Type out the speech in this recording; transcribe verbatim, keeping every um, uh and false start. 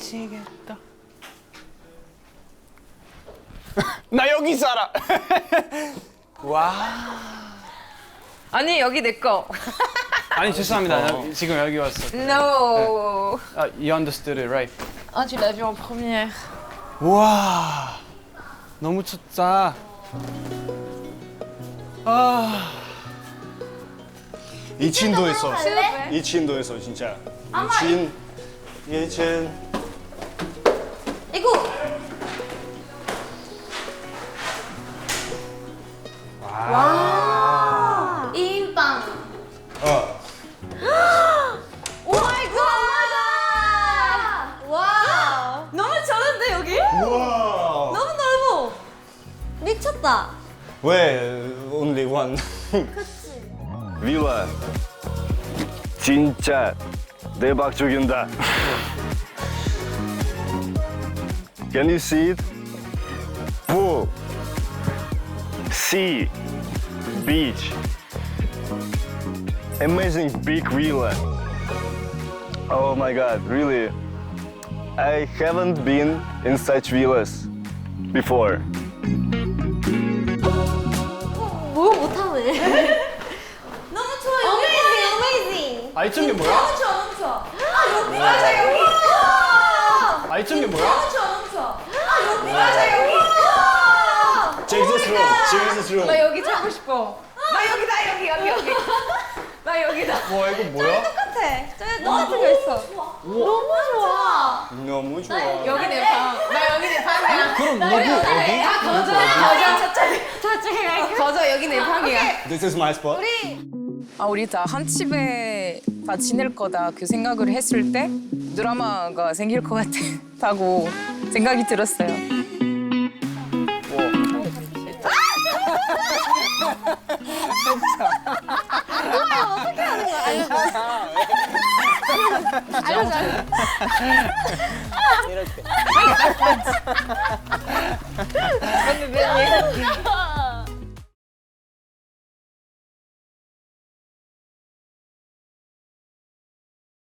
미치겠다. 나 여기 살아. 와. 아니 여기 내 거. 아니 죄송합니다. 나 지금 여기 왔어. No. 아, you understood it, right? Ah, tu l'as vu en première. 와. 너무 춥다. 아. 이친도에서 이친도에서 진짜 이친 이친 이거 와 인빵 어 오 마이 갓 와 너무 좋은데 여기 우와 너무 넓어 미쳤다 왜 only one 빌라 진짜 대박 죽인다. Can you see it? Pool, sea, beach, amazing big villa. Oh my God, really? I haven't been in such villas before. 뭐 못하네 너무 좋아요 어메이징 어메이징 아, 이쪽이 뭐야? 너무 좋아 너무 좋아 아 여기 맞아 여기 아, 이쪽이 뭐야? 너무 좋아 너무 좋아 아 여기 맞아 여기 Jesus room Jesus room 나 여기 자고 싶어. 나 여기다 여기 여기 여기. 나 여기다. 와, 이거 뭐야? 똑같아 저기 똑같은 거 있어 너무 좋아 너무 좋아 여기 내 방. 나 여기 내 방이야. 그럼 누구 어디? 다 거저. 거저 저쪽에. 저쪽에 갈게 거저 여기 내 방이야. This is my spot 아 우리 다 한 집에 다 지낼 거다 그 생각을 했을 때 드라마가 생길 것 같다고 생각이 들었어요. 이렇게.